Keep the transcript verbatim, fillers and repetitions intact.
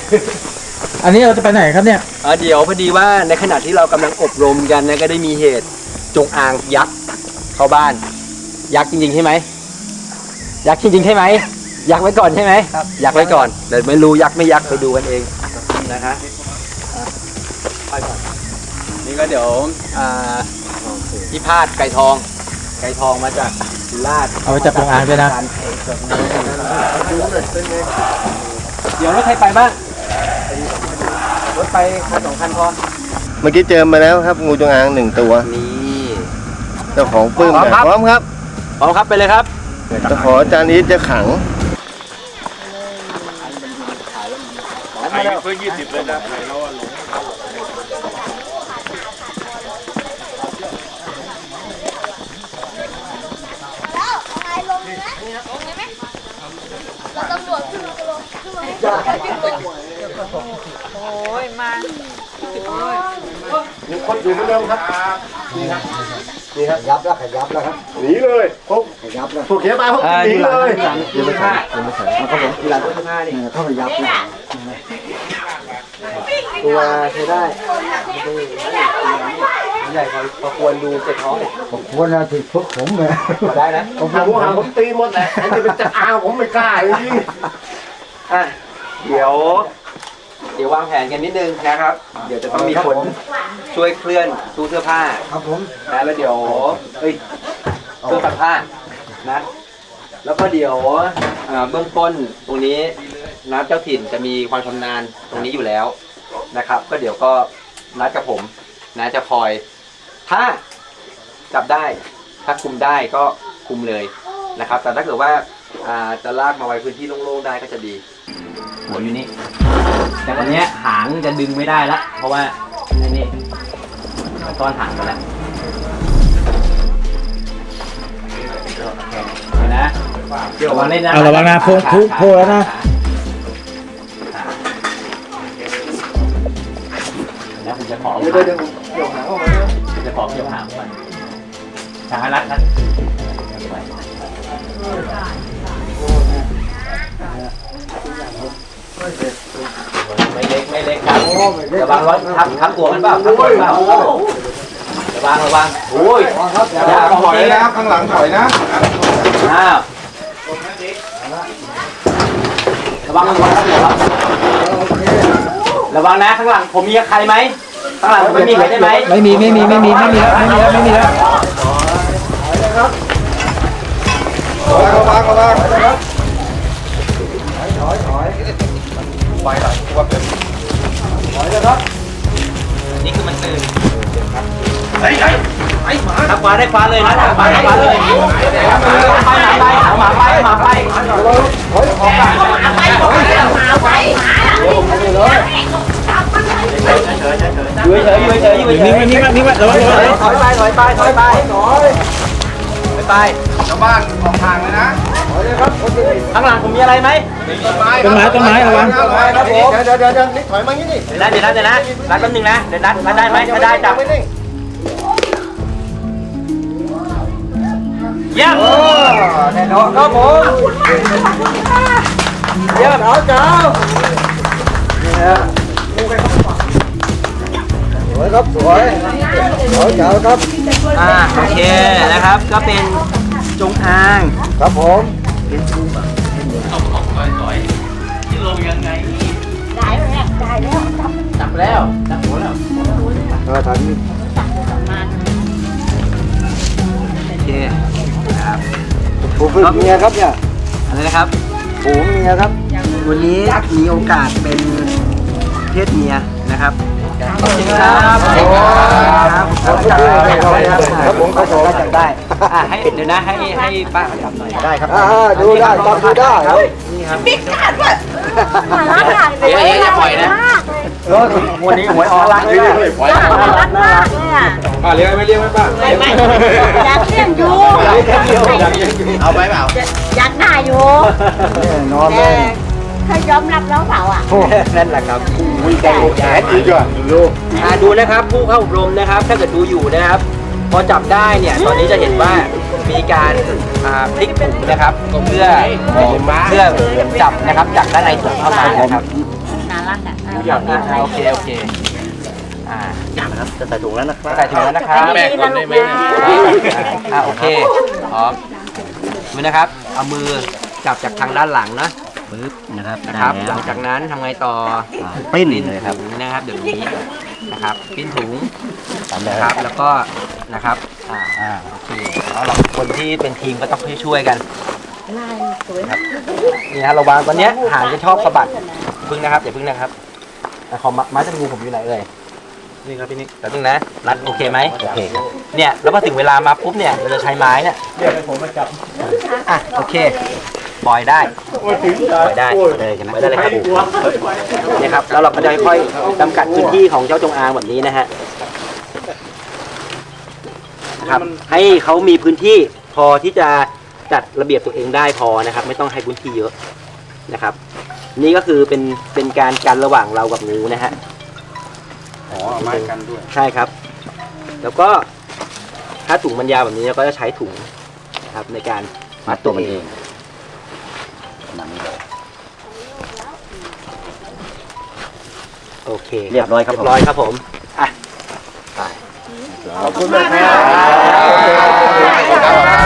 อันนี้เราจะไปไหนครับเนี่ยเเดี๋ยวพอดีว่าในขณะที่เรากำลังอบรมกันนะก็ได้มีเหตุจงอางยักษ์เข้าบ้านยักษ์จริงๆใช่ไหมยักษ์จริงๆใช่ไหมยักษ์ไว้ก่อนใช่ไหมครับยักษ์ไว้ก่อนเดี๋ยวไม่รู้ยักษ์ไม่ยักษ์ไปดูกันเองนะคะไปก่อนนี่ก็เดี๋ยวพี่พาดไก่ทองไก่ทองมาจากสุราษฎร์เอาไปจับจงอางด้วยนะเดี๋ยวรถใครไปบ้างรถไปคันสองคันพอเมื่อกี้เจอมาแล้วครับงูจงอางหนึ่งตัวนี่เจ้าของปื้มพร้อมครับพร้อมครับไปเลยครับจะขออาจารย์อีทจะขังไข่เพื่อยี่สิบเลยนะไข่เราหลงตำรวจขึ้นมาลงขึ้นมาให้จับโอ้ยมามีคนอยู่เหมือนเดิมครับนี่ครับนี่ครับยับแล้วขยับแล้วครับหนีเลยพวกขยับแล้วพวกเขียบมาพวกหนีเลยยังไม่ใช่ยังไม่ใช่มันก็ผมกีฬาตัวห้านี่เข้าไปยับตัวใช้ได้ใหญ่พอควรดูเจ็บท้องผมควรนะที่พวกผมเลยได้นะผมผมหาผมตีหมดแหละอันนี้เป็นจะอ้าวผมไม่กล้าจริงอ่ะเดี๋ยวเดี๋ยววางแผนกันนิดนึงนะครับเดี๋ยวจะต้องมีคนช่วยเคลื่อนตู้เสื้อผ้าครับผมนะแล้วเดี๋ยวเฮ้ยเครื่องซักผ้านะแล้วก็เดี๋ยวเบื้องต้นตรงนี้นัดเจ้าถิ่นจะมีความชำนาญตรงนี้อยู่แล้วนะครับก็เดี๋ยวก็นัดกับผมนะจะคอยถ้าจับได้ถ้าคุมได้ก็คุมเลยนะครับแต่ถ้าเกิดว่าจะลากมาไว้พื้นที่โล่งๆได้ก็จะดีหัวอยู่นี่แต่ตอนนี้หางจะดึงไม่ได้ละเพราะว่านี่ต้อนหางไปแล้วนะเดี๋ยววันนี้นะเอาระวังนะโผล่โผล่แล้วนะแล้วผมจะขอเดี๋ยวเดี๋ยวเดี๋ยวหางออกมาจะขอเกี่ยวหางก่อนหางรัดรัดไม่เล็กไม่เล็กครับระวังรถทับทับตัวมันเปล่าทับตัวมันเปล่าระวังระวังโอ้ยอย่าถอยนะข้างหลังถอยนะอ้าวระวังระวังครับระวังนะข้างหลังผมมีใครไหมข้างหลังไม่มีใครได้ไหมไม่มีไม่มีไม่มีไม่มีแล้วไม่มีแล้วไม่มีแล้วระวังระวังระวังไปหลังตัวเป็นถอยเลยครับนี่คือมันตื่นไอ้ไอ้ไอ้หมาทักมาได้ฟ้าเลยนะทักมาได้ฟ้าเลยไปไปหมาไปหมาไปหมาไปถอยออกกันหมาไปหมาไปอยู่เฉยอยู่เฉยอยู่เฉยนี่มานี่มานี่มาระวังระวังถอยไปถอยไปถอยไปถอยไปชาวบ้านออกทางเลยนะข้างหลังผมมีอะไรไหมต้นไม้ต้นไม้ระวังเดี๋ยวเดี๋ยวเดี๋ยวนี่ถอยมางี้นี่เดี๋ยวนะเดี๋ยวนะเดี๋ยวนะนัดแป๊บนึงนะเดี๋ยวนัดนัดได้ไหมถ้าได้จับเยี่ยมแน่นอนครับผมเยี่ยมเอาเจ้านี่ฮะสวยครับสวยเอาเจ้าครับอ่าโอเคนะครับก็เป็นจงอางครับผมเป็นชูบะต่อยๆที่ลงยังไงได้แล้วได้แล้วจับแล้วจับหัวแล้วเออทันโอเคครับผมเป็นเมียครับเนี่ยอะไรนะครับผมเมียครับวันนี้มีโอกาสเป็นเพศเมียนะครับขอบคุณครับครับครับผมเขาบอกจับได้ให้เดี๋ยวนะให้ให้ป้าเขาจับหน่อยได้ครับดูได้จับดูได้นี่ครับบิ๊กขาดด้วยมาล้างเดี๋ยวเดี๋ยวจะปล่อยนะวันนี้หวยออนไลน์เลยปล่อยรักมากเลยอ่ะป้าเลี้ยงไม่เลี้ยงไหมป้าไม่ไม่อยากเลี้ยงอยู่เอาไปเปล่าอยากได้อยู่นอนเลยเคยยอมรับแล้วเปล่าอ่ะนั่นแหละครับวิ่งไปแขนอีกอ่ะดูดูนะครับผู้เข้าอบรมนะครับถ้าเกิดดูอยู่นะครับพอจับได้เนี่ยตอนนี้จะเห็นว่ามีการพลิกถุงนะครับเพื่อเพื่อจับนะครับจากด้านในถุงเข้ามานะครับบ้างอ่ะหย่อนนะโอเคโอเคอ่านะครับจะใส่ถุงแล้วนะครับใส่ถุงแล้วนะครับแม่คนนี้ไหมอ่าโอเคพร้อมมือนะครับ เอามือจับจากทางด้านหลังนะปึ๊บนะครับนะครับ หลังจากนั้นทำไงต่อปิ้นปิ้นเลยครับถุงนะครับเดี๋ยวนี้นะครับปิ้นถุงตามแบนะครับ บแล้วก็นะครับอ่าอ่าโอเคแล้วเราคนที่เป็นทีมก็ต้องช่วยๆกันลายสวยนี่ฮะระวังตอนเนี้ยหางจะชอบสะบัดพึ่งนะครับอย่าพึ่งนะครับอ่ะขอไม้จับงูผมอยู่ไหนเอ่ยนี่ครับพี่นิกแต่พึ่งนะรัดโอเคไหมโอเคเนี่ยแล้วพอถึงเวลามาปุ๊บเนี่ยเราจะใช้ไม้เนี่ยเรียกให้ผมมาจับอ่ะโอเคปล่อยได้ปล่อยได้ปล่อยได้ใช่ไหมปล่อยได้เลยครับนี่ครับแล้วเราก็จะค่อยๆจำกัดพื้นที่ของเจ้าจงอางแบบนี้นะฮะนะครับให้เขามีพื้นที่พอที่จะจัดระเบียบตัวเองได้พอนะครับ ไม่ต้องให้พื้นที่เยอะนะครับ นี่ก็คือเป็นเป็นการกันระหว่างเรากับงูนะฮะอ๋อไม้กันด้วยใช่ครับ แล้วก็ถ้าถุงมันยาวแบบนี้เราก็จะใช้ถุงนะครับในการมัดตัวมันเองโอเคเรียบร้อยครับเรียบร้อยครับผมอ่ะขอบคุณมากครับ